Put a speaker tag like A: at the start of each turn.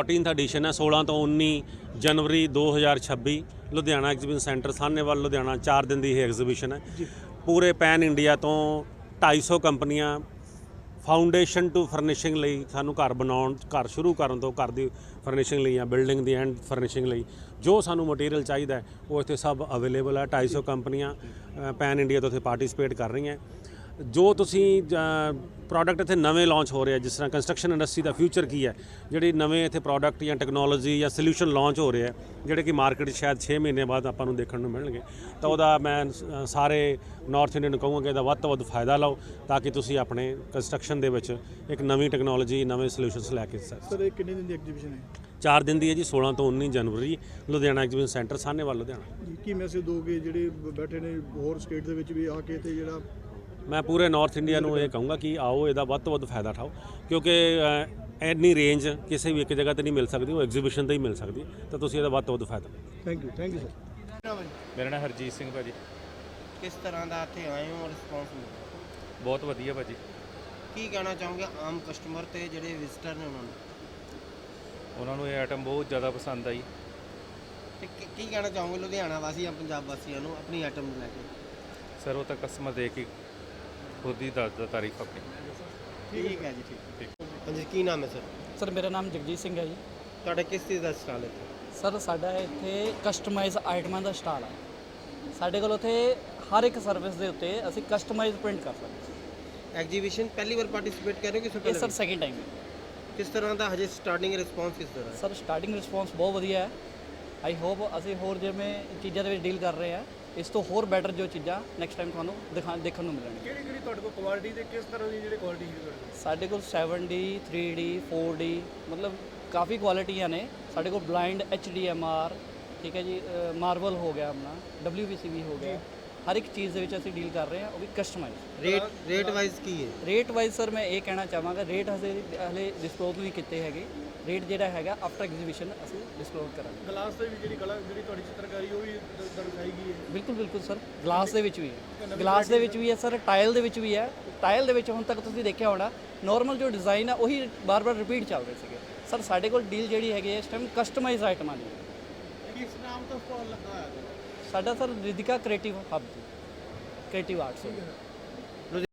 A: 14th edition ਹੈ 16 ਤੋਂ 19 ਜਨਵਰੀ 2026 ਲੁਧਿਆਣਾ ਐਗਜ਼ੀਬਿਸ਼ਨ ਸੈਂਟਰ ਸਾਹਨੇਵਾਲ ਲੁਧਿਆਣਾ 4 ਦਿਨ ਦੀ ਇਹ ਐਗਜ਼ੀਬਿਸ਼ਨ ਹੈ। ਪੂਰੇ ਪੈਨ ਇੰਡੀਆ ਤੋਂ 250 ਕੰਪਨੀਆਂ ਫਾਊਂਡੇਸ਼ਨ ਟੂ ਫਰਨਿਸ਼ਿੰਗ ਲਈ ਸਾਨੂੰ ਘਰ ਬਣਾਉਣ ਘਰ ਸ਼ੁਰੂ ਕਰਨ ਤੋਂ ਘਰ ਦੀ ਫਰਨਿਸ਼ਿੰਗ ਲਈ ਜਾਂ ਬਿਲਡਿੰਗ ਦੀ ਐਂਡ ਫਰਨਿਸ਼ਿੰਗ ਲਈ ਜੋ ਸਾਨੂੰ ਮਟੀਰੀਅਲ ਚਾਹੀਦਾ ਹੈ ਉਹ ਇੱਥੇ ਸਭ ਅਵੇਲੇਬਲ ਹੈ। 250 ਕੰਪਨੀਆਂ ਪੈਨ ਇੰਡੀਆ ਤੋਂ ਇੱਥੇ ਪਾਰਟਿਸਿਪੇਟ ਕਰ ਰਹੀਆਂ। ਜੋ ਤੁਸੀਂ ਪ੍ਰੋਡਕਟ ਇੱਥੇ ਨਵੇਂ ਲਾਂਚ ਹੋ ਰਹੇ ਆ, ਜਿਸ ਤਰ੍ਹਾਂ ਕੰਸਟਰਕਸ਼ਨ ਇੰਡਸਟਰੀ ਦਾ ਫਿਊਚਰ ਕੀ ਹੈ, ਜਿਹੜੇ ਨਵੇਂ ਇੱਥੇ ਪ੍ਰੋਡਕਟ ਜਾਂ ਟੈਕਨੋਲੋਜੀ ਜਾਂ ਸੋਲਿਊਸ਼ਨ ਲਾਂਚ ਹੋ ਰਹੇ ਆ ਜਿਹੜੇ ਕਿ ਮਾਰਕੀਟ 'ਚ ਸ਼ਾਇਦ 6 ਮਹੀਨੇ ਬਾਅਦ ਆਪਾਂ ਨੂੰ ਦੇਖਣ ਨੂੰ ਮਿਲਣਗੇ, ਤਾਂ ਉਹਦਾ ਮੈਂ ਸਾਰੇ ਨਾਰਥ ਇੰਡੀਅਨ ਨੂੰ ਕਹੂੰਗਾ ਕਿ ਇਹਦਾ ਵੱਧ ਤੋਂ ਵੱਧ ਫਾਇਦਾ ਲਓ ਤਾਂ ਕਿ ਤੁਸੀਂ ਆਪਣੇ ਕੰਸਟਰਕਸ਼ਨ ਦੇ ਵਿੱਚ ਇੱਕ ਨਵੀਂ ਟੈਕਨੋਲੋਜੀ ਨਵੇਂ ਸੋਲਿਊਸ਼ਨਸ ਲੈ ਕੇ
B: ਸਰ ਇਹ ਕਿੰਨੇ ਦਿਨ ਦੀ ਐਗਜ਼ੀਬਿਸ਼ਨ ਹੈ?
A: 4 ਦਿਨ ਦੀ ਹੈ ਜੀ, 16 ਤੋਂ 19 ਜਨਵਰੀ ਲੁਧਿਆਣਾ ਐਗਜ਼ੀਬਿਸ਼ਨ ਸੈਂਟਰ ਸਾਹਨੇਵਾਲ ਲੁਧਿਆਣਾ।
B: ਜੀ ਕੀ ਮੈਸੇਜ ਦੋਗੇ ਜਿਹੜੇ ਬੈਠੇ ਨੇ ਹੋਰ ਸਟੇਟ ਦੇ ਵਿੱਚ ਵੀ ਆ ਕੇ ਤੇ ਜਿਹੜਾ
A: ਮੈਂ ਪੂਰੇ ਨਾਰਥ ਇੰਡੀਆ ਨੂੰ ਇਹ ਕਹੂੰਗਾ ਕਿ ਆਓ ਇਹਦਾ ਵੱਧ ਤੋਂ ਵੱਧ ਫਾਇਦਾ ਉਠਾਓ, ਕਿਉਂਕਿ ਇੰਨੀ ਰੇਂਜ ਕਿਸੇ ਵੀ ਇੱਕ ਜਗ੍ਹਾ ਤੇ ਨਹੀਂ ਮਿਲ ਸਕਦੀ, ਉਹ ਐਗਜ਼ੀਬਿਸ਼ਨ ਤੇ ਹੀ ਮਿਲ ਸਕਦੀ, ਤਾਂ ਤੁਸੀਂ ਇਹਦਾ ਵੱਧ ਤੋਂ ਵੱਧ ਫਾਇਦਾ।
B: Thank you sir.
C: ਮੇਰਾ ਨਾਮ ਹਰਜੀਤ ਸਿੰਘ ਭਾਜੀ।
D: ਕਿਸ ਤਰ੍ਹਾਂ ਦਾ ਇੱਥੇ ਆਏ ਹੋ ਰਿਸਪੌਂਸ ਮਿਲਿਆ?
C: ਬਹੁਤ ਵਧੀਆ ਭਾਜੀ।
D: ਕੀ ਕਹਿਣਾ ਚਾਹੋਗੇ ਆਮ ਕਸਟਮਰ ਤੇ ਜਿਹੜੇ ਵਿਜ਼ਿਟਰ ਨੇ
C: ਉਹਨਾਂ ਨੂੰ ਇਹ ਆਈਟਮ ਬਹੁਤ ਜ਼ਿਆਦਾ ਪਸੰਦ ਆਈ।
D: ਤੇ ਕੀ ਕਹਿਣਾ ਚਾਹੋਗੇ ਲੁਧਿਆਣਾ ਵਾਸੀ ਜਾਂ ਪੰਜਾਬ ਵਾਸੀਆਂ ਨੂੰ ਆਪਣੀ ਆਈਟਮ ਨੂੰ ਲੈ ਕੇ?
C: ਸਰ ਉਹ ਤਾਂ ਕਸਟਮਰ ਦੇ ਕੇ ਖੁਦ ਹੀ ਦੱਸਦਾ ਤਾਰੀਫ ਆਪਣੀ।
D: ਠੀਕ ਹੈ ਜੀ, ਠੀਕ। ਹਾਂਜੀ, ਕੀ ਨਾਮ ਹੈ ਸਰ?
E: ਸਰ ਮੇਰਾ ਨਾਮ ਜਗਜੀਤ ਸਿੰਘ ਹੈ ਜੀ।
D: ਤੁਹਾਡਾ ਕਿਸ ਚੀਜ਼ ਦਾ ਸਟਾਲ ਹੈ ਇੱਥੇ?
E: ਸਰ ਸਾਡਾ ਇੱਥੇ ਕਸਟਮਾਈਜ਼ ਆਈਟਮਾਂ ਦਾ ਸਟਾਲ ਹੈ। ਸਾਡੇ ਕੋਲ ਉੱਥੇ ਹਰ ਇੱਕ ਸਰਵਿਸ ਦੇ ਉੱਤੇ ਅਸੀਂ ਕਸਟਮਾਈਜ਼ ਪ੍ਰਿੰਟ ਕਰ ਸਕਦੇ ਹਾਂ।
D: ਐਗਜ਼ੀਬਿਸ਼ਨ ਪਹਿਲੀ ਵਾਰ ਪਾਰਟਿਸਿਪੇਟ ਕਰ ਰਹੇ ਹੋ ਕਿ
E: ਇਹ ਸਰ ਸੈਕਿੰਡ ਟਾਈਮ ਹੈ।
D: ਕਿਸ ਤਰ੍ਹਾਂ ਦਾ ਹਜੇ ਸਟਾਰਟਿੰਗ ਰਿਸਪੌਂਸ ਕਿਸ ਤਰ੍ਹਾਂ?
E: ਸਰ ਸਟਾਰਟਿੰਗ ਰਿਸਪੌਂਸ ਬਹੁਤ ਵਧੀਆ ਹੈ। ਆਈ ਹੋਪ ਅਸੀਂ ਹੋਰ ਜਿਵੇਂ ਚੀਜ਼ਾਂ ਦੇ ਵਿੱਚ ਡੀਲ ਕਰ ਰਹੇ ਹਾਂ, ਇਸ ਤੋਂ ਹੋਰ ਬੈਟਰ ਜੋ ਚੀਜ਼ਾਂ ਨੈਕਸਟ ਟਾਈਮ ਤੁਹਾਨੂੰ ਦੇਖਣ ਨੂੰ ਮਿਲਣਗੀਆਂ।
B: ਕਿਹੜੀ ਤੁਹਾਡੇ ਕੋਲ ਕੁਆਲਿਟੀ ਤੇ ਕਿਸ ਤਰ੍ਹਾਂ ਦੀ ਜਿਹੜੀ ਕੁਆਲਿਟੀ ਹੈ?
E: ਸਾਡੇ ਕੋਲ 7D 3D 4D ਮਤਲਬ ਕਾਫੀ ਕੁਆਲਿਟੀਆਂ ਨੇ ਸਾਡੇ ਕੋਲ। ਬਲਾਈਂਡ HDMR, ਠੀਕ ਹੈ ਜੀ, ਮਾਰਬਲ ਹੋ ਗਿਆ, ਆਪਣਾ WPCB ਹੋ ਗਿਆ, ਹਰ ਇੱਕ ਚੀਜ਼ ਦੇ ਵਿੱਚ ਅਸੀਂ ਡੀਲ ਕਰ ਰਹੇ ਹਾਂ, ਉਹ ਵੀ ਕਸਟਮਾਈਜ਼।
D: ਰੇਟ ਵਾਈਜ਼ ਕੀ ਹੈ?
E: ਰੇਟ ਵਾਈਜ਼ ਸਰ ਮੈਂ ਇਹ ਕਹਿਣਾ ਚਾਹਾਂਗਾ, ਰੇਟ ਹਲੇ ਡਿਸਕਲੋਜ਼ ਨਹੀਂ ਕੀਤੇ ਹੈਗੇ। ਰੇਟ ਜਿਹੜਾ ਹੈਗਾ ਆਫਟਰ ਐਗਜ਼ੀਬਿਸ਼ਨ ਅਸੀਂ ਡਿਸਕਲੋਜ਼ ਕਰਾਂਗੇ।
B: ਗਲਾਸ ਦੇ ਵੀ ਜਿਹੜੀ ਤੁਹਾਡੀ ਚਿੱਤਰਕਾਰੀ ਉਹ ਵੀ ਦਰਸਾਈ ਗਈ ਹੈ?
E: ਬਿਲਕੁਲ ਬਿਲਕੁਲ ਸਰ, ਗਲਾਸ ਦੇ ਵਿੱਚ ਵੀ ਹੈ, ਗਲਾਸ ਦੇ ਵਿੱਚ ਵੀ ਹੈ ਸਰ, ਟਾਇਲ ਦੇ ਵਿੱਚ ਵੀ ਹੈ। ਟਾਇਲ ਦੇ ਵਿੱਚ ਹੁਣ ਤੱਕ ਤੁਸੀਂ ਦੇਖਿਆ ਹੋਣਾ ਨੋਰਮਲ ਜੋ ਡਿਜ਼ਾਈਨ ਆ ਉਹੀ ਬਾਰ-ਬਾਰ ਰਿਪੀਟ ਚੱਲ ਰਹੇ ਸੀਗੇ। ਸਰ ਸਾਡੇ ਕੋਲ ਡੀਲ ਜਿਹੜੀ ਹੈਗੀ ਇਸ ਟਾਈਮ ਕਸਟਮਾਈਜ਼ ਆਈਟਮਾਂ ਦੀ।
D: ਕਿਸ ਨਾਮ ਤੋਂ ਸਟਾਲ ਲੱਗਾ ਹੈ?
E: ਸਾਡਾ sir Ridika creative hub, creative arts.